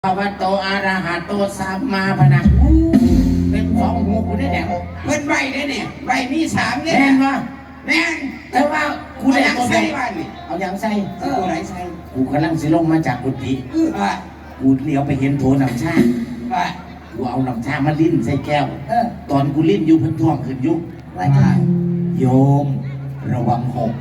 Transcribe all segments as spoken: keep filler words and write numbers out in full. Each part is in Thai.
ภะวะโตอะระหะโตสัมมาพะนะเป็นสองหูกูได้แดงเพิ่นใบได้เนี่ยใบมีสามเนี่ยแม่นวะแม่นแต่ว่ากูได้ยังใส่บ้านนี่เอายังใส่เออไหนใส่กูกำลังสิลงมาจากกุฏิเออว่ากูเลี้ยวไปเห็นโถน้ำชาว่ากูเอาน้ำชามาลิ้นใส่แก้วเออตอนกูลิ้นอยู่เพิ่นท่วงขึ้นยุกว่าโยมระวังหก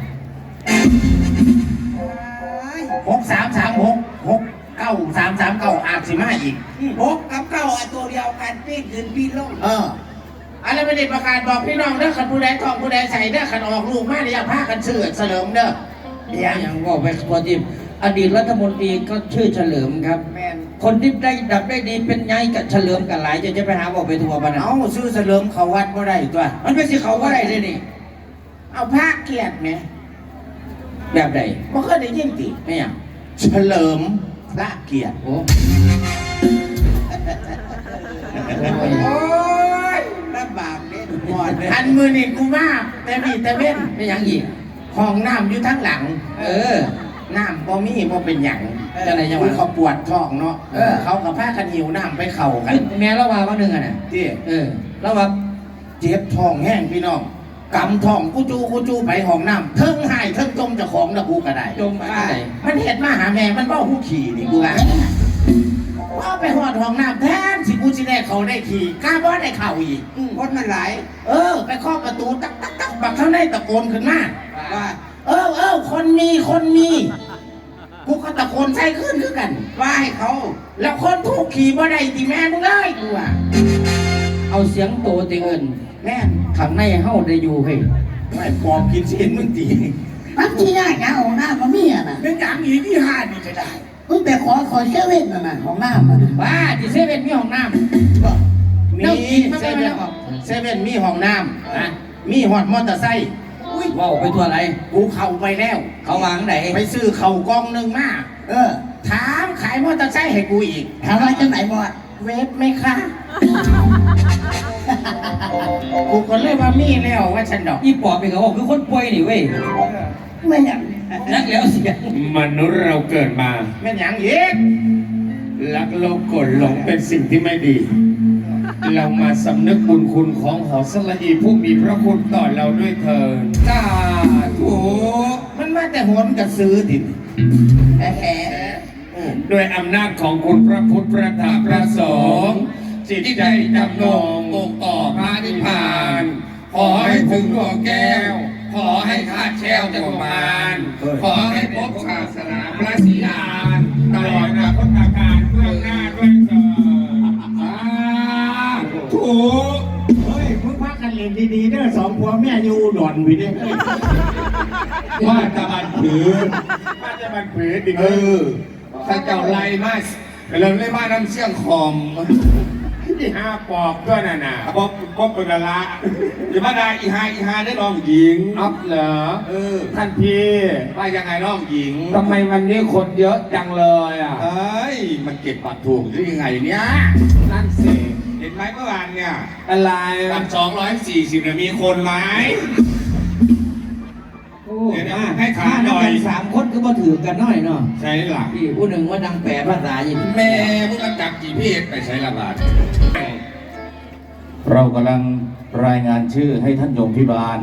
หกสามสามหกหกเก้าสามสามเก้าอาจสิมาอีกหกกับเก้าอันตัวเดียวกันปีนขึ้นปีนลงเอออะไรไม่ได้ประกาศบอกพี่น้องเด้อขันผู้ใดทองผู้ใดใส่เด้อขันออกลูกมาเนี่ยผ้ากันเชื่อเฉลิมเด้อเดี๋ยวอย่างว่าไปพอดีอดีตรัฐมนตรีก็ชื่อเฉลิมครับคนที่ได้ดับได้ดีเป็นไงกับเฉลิมกันหลายจะจะไปหาบอกไปทัวร์บ้านเอาชื่อเฉลิมเขาวัดบ่ได้ตัวมันเป็นสิเขาว่าได้เลยนี่เอาผ้าเกียรติไหมแบบใดบ่เคยได้ยินติไม่อย่างเฉลิมพระเกียรติโอ้โอ้ยลำบากเนี่ยหมดเลยอันมือนี่กูมาแต่มีแต่เว้นไม่อย่างอีกห้องน้ำอยู่ทั้งหลังเออน้ำบ่มีบ่เป็นหยังจะอะไรยังไงเขาปวดท้องเนาะเออเขากับผ้ากันหิวน้ำไปเข่ากันแม่ละว่าว่าหนึ่งอ่ะน่ะที่เออละว่าเจ็บท้องแห้งพี่น้องกำท้องกูจูกูจูไปห้องน้ำเทิงหายเทิงจมจะของนะกูก็ได้จมอะไรมันเห็ดมาหาแม่มันเบ้าหูขี่นี่กูว่าว่าไปหอดห้องน้ำแทนสิกูสิได้เขาได้ขี่กล้าบ่ได้เข่าอีกคนมันหลายเออไปเคาะประตูตักตักตักบักเขาได้ตะโกนขึ้นมาว่าเออเออคนมีคนมีกูก็ตะโกนใส่ขึ้นคือกันว่าให้เขาแล้วคนถูกขี่บ่ได้ตีแม่มึงเลยกูว่าเอาเสียงโตตีเงินแม่ข้างในเฮ้าได้อยู่เฮ้ยไม่ปอบกินเส้นมึงตีปักที่ยากนะของน้ำมันมีอ่ะนะเป็นอย่างนี้ที่ห้านี่จะได้มึงแต่ขอขอเซเว่นน่ะนะของน้ำมันว่าที่เซเว่นมีห้องน้ำมีเซเว่นเซเว่นมีห้องน้ำนะมีหอดมอเตอร์ไซค์ว้าวไปทัวร์อะไรกูเข้าไปแล้วเขาวางไหนไปซื้อเข่ากองหนึ่งมาเออถามขายมอเตอร์ไซค์ให้กูอีกถามว่าจังไหนบ่เวฟไหมคะกูก็เลยว่ามีแล้วว่าฉันดอกอีปอบเป็นเขาบอกคือคนป่วยนี่เว้ยไม่อยากนักแล้วเสียมนุษย์เราเกิดมาไม่อย่างยิ่งลักโลภโกรธหลงเป็นสิ่งที่ไม่ดีเรามาสำนึกบุญคุณของหอสละอีผู้มีพระคุณต่อเราด้วยเถิดสาธุมันมาแต่หัวมันกระซื้อดิแฮ่ด้วยอำนาจของคุณพระพุทธพระธรรมพระสงฆ์จิตใจดำนงอกต่อพระนิพพานขอให้ถึงดวงแก้วขอให้ขาดแช่วจักรวาลขอให้พบศาสนาพระศรีอานตลอดนาคตการเบื้องหน้าด้วยเถิดถูกเฮ้ยมึงพักกันเล่นดีๆเด้อสองผัวแม่อยู่หล่อนวิเด้ว่าตะบันผือว่าตะบันผือดิเออถ้าเจ้าไล่มาเริ่มไล่มาน้ำเชี่ยงคอมอีห้าปอกด้วยน่ะน่ะปอกปอกเป็นละอย่ามาได้อีห้าอีห้าได้น้องหญิงอัพเหรอเออท่านพี่ว่ายังไงน้องหญิงทำไมวันนี้คนเยอะจังเลยอ่ะเอ้ยมันเก็บปัดถูกหรือยังไงเนี่ยนั่นสิเห็นไหมเมื่อวานเนี่ยอะไรวันสองร้อยสี่สิบเนี่ยมีคนไหมเดี๋ยวให้ขาหน่อยสามคนก็มาถือกันหน่อยเนาะใช่หลักพี่ผู้หนึ่งว่าดังแปลภาษาอย่างแม่พวกกันจับกี่เพศไปใช้ละบาทเรากำลังรายงานชื่อให้ท่านโยมพิบาล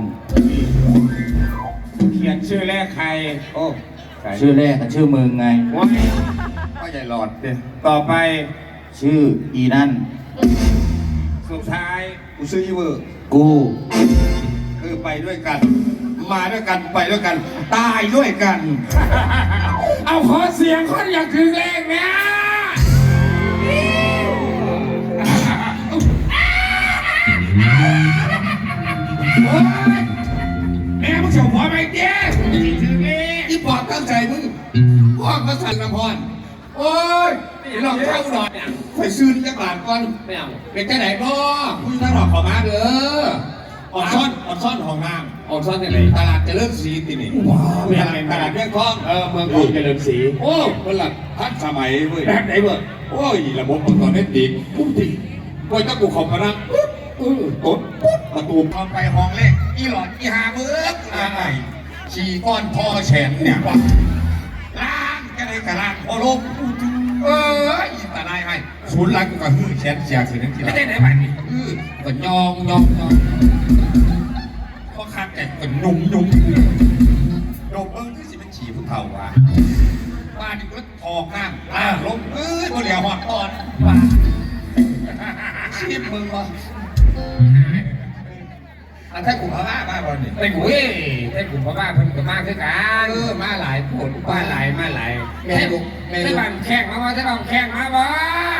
เขียนชื่อแรกใครโอ้ชื่อแรกกับชื่อมึงไงว้ายก็ใหญ่หลอดเด้ต่อไปชื่ออีนั่นสุดท้ายกูชื่ออีเวอร์กูคือไปด้วยกันมาด้วยกันไปด้วยกันตายด้วยกันเอาขอเสียงคนอยากถึงเลขเนี่ยแม่มึงเฉาหัวไปเจ๊ถึงเลขที่ปอดตั้งใจมึงพ่อก็สั่นละพรโอ้ยนี่ลองเข้าหน่อยไปซื้อจักรบาทก่อนไม่เอาเป็นแค่ไหนพ่อผู้ท่านหลอกขอมาเด้ออดซ่อนอดซ่อนของน้ำอดซ่อนที่ไหนตลาดเจริญศรีที่นี่ว้าวตลาดตลาดเมืองทองเออเมืองทองเจริญศรีโอ้ตลาดทันสมัยเว้ยแบบไหนเว้ยโอ้ยระบบตอนนี้ดีปุ๊บดีพอถ้ากูขอบมานะปุ๊บปุ๊บปุ๊บประตูทองไปห้องเล็กอีหลอดอีหาเบิร์กอะไรฉี่ก้อนพ่อแฉนเนี่ยล้างก็เลยกระลางพอลบโอ้เอออีตาได้ให้ศูนย์หลังกูก็ฮือแชนเสียคือนั่นทีไม่ได้ไหนบ้านนี่ฮือก็ยองยองยองพอคักแต่ก็นุ่มนุ่มโดมเบิ้งที่สิเป็นฉี่ผู้เฒ่าว่ะบ้านนี่ก็ทองข้างอ่าลงเอ้ยบ่เหลียวหอดตอนว่ะชีพมึงวะอันถ้ากูพม่าบ้าบอลนี่ไอ้กูเอ้ยไอ้กูพ่อบ้านเพิ่นก็มาคือกันเออมาหลายผลมาหลายมาหลายแม่ลูกแม่ไอ้ลูกบ้านแข่งมาว่าถ้าบ้านแข่งมาบ่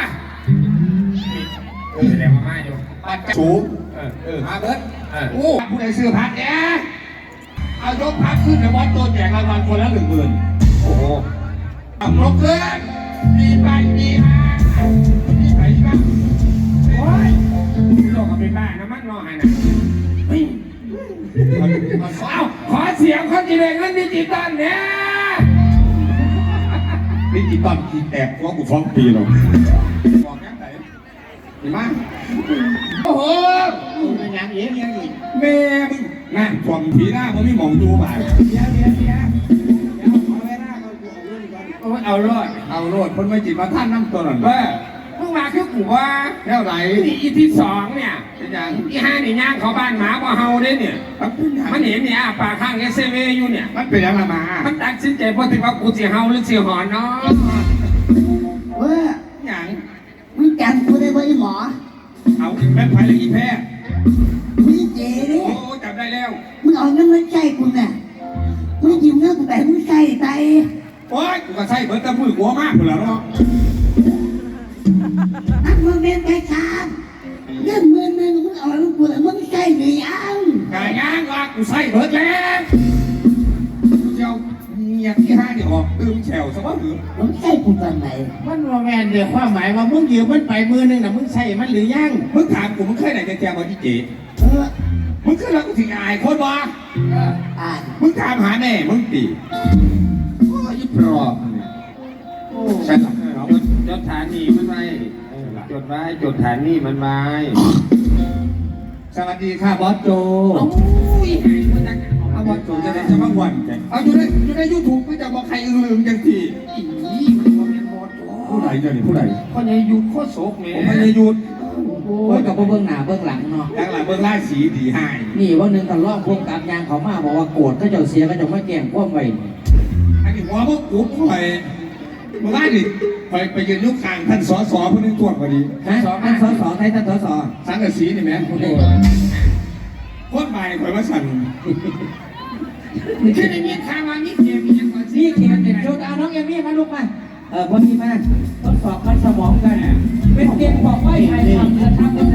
เออแสดงว่ามาอยู่ปัดสูงเออเออมาเบิร์ดเออโอ้ผู้ใดซื้อพัดเนี่ยเอายกพัดขึ้นในวัดตัวแจกรางวัลคนละหนึ่งหมื่นโอ้โหเอายกขึ้นมีไปมีมามีไปบ้างโอ้ยโลกก็เป็นบ้านะมันนอนนะเฮ้ยมันมันเอ้าขอเสียงคนจีเรเงินดิจิตอลเนี่ยดิจิตอลขีดแตกว่ากูฟ้องปีหรอกบอกยังไงดีมากโอ้โหเป็นยังเอ๋ยังอีกแม่มึงนั่นฟองผีหน้ามึงไม่มองดูบ่ายเดี๋ยวเดี๋ยวเดี๋ยวเดี๋ยวขอเวลาเขาเอาเรื่องก่อนโอ้ยเอารอดเอาโลดคนไม่จิตมาท่านนั่งตัวนั่นเออเพิ่งมาคือกูว่าเท่าไหร่นี่อีที่สองเนี่ยเป็นยังอีห้านี่ย่างเขาบ้านหมาบ่เฮาเด้เนี่ยมันเป็นยังมันเห็นเนี่ยปากข้างเอสเซเวอยู่เนี่ยมันเป็นยังละมามันตัดสินใจพอถึงว่ากูสิเฮาหรือสิหอนเนาะเว้ยอย่างมึงจำกูได้ไหมหมอเอาแม่ไผ่เลยอีแพ้มึงเจ๋ดิโอ้จับได้แล้วมึงเอาเงินมาใช้กูน่ะมึงยืมเงินกูไปมึงใช้ไปโอ้ยกูก็ใส่เบิร์ตะมือหัวมากกูแล้วเนาะนักมึงเรียนไปสามเงินหมื่นหนึ่งมึงเอาลูกกูแล้วมึงใช้หรือยังกายย่างว่ากูใส่เบิร์ตแล้วเจ้าเมียที่ห้าเนี่ยออกตื่มแฉวซะว่าหรือมึงใช้กูตอนไหนมันว่าแมนเดี๋ยวความหมายว่ามึงยืมมันไปมือหนึงน่ะมึงใส่มันหรือยังมึงถามกูมึงเคยไหนจะแจมว่าที่เจเออมึงขึ้นแล้วกูถึงอายคนวะอ่านมึงถามหาแม่มึงตีโอ้ยอีปลอบใช่หรอเอาจดฐานนี่มันไว้จดไว้จดฐานนี่มันไว้สวัสดีค่ะบอสโจโอ้ยหายมันจังเอาบอสโจจะได้จะมาวันแกเอาอยู่ในอยู่ในยูทูบไม่จะบอกใครอือลืมจังทีอีมันบ่แม่นบ่โตผู้ใดเจ้านี่ผู้ใดคนใหญ่ยุดโคตรโศกแม่ผมไม่ได้หยุดโอ้ยกับเบื้องหน้าเบื้องหลังเนาะหลังหลังเบื้องล่าสีดีให้นี่วันหนึ่งตอนรอบพวกกับยางเขามาบอกว่าโกรธก็เจ้าเสียก็จะไม่แกล้งความไว้นี่อันนี้หัวพวกกูคอยเมื่อวานนี่คอยไปยืนยุคกลางท่านสอสอผู้นึงตรวจพอดีฮะท่านสสไทยท่านสสสังกะสีนี่แม่โอ้โหโคตรใบคอยว่าสั่นคือในมีข่าวว่ามีเกมมีหยังก่อนสินี่เขียนติดชุดเอาน้องเอมี่มาลูกมาเออพอดีมาทดสอบมันสมองกัน เป็นเกมบอกว่าใครทำจะทำ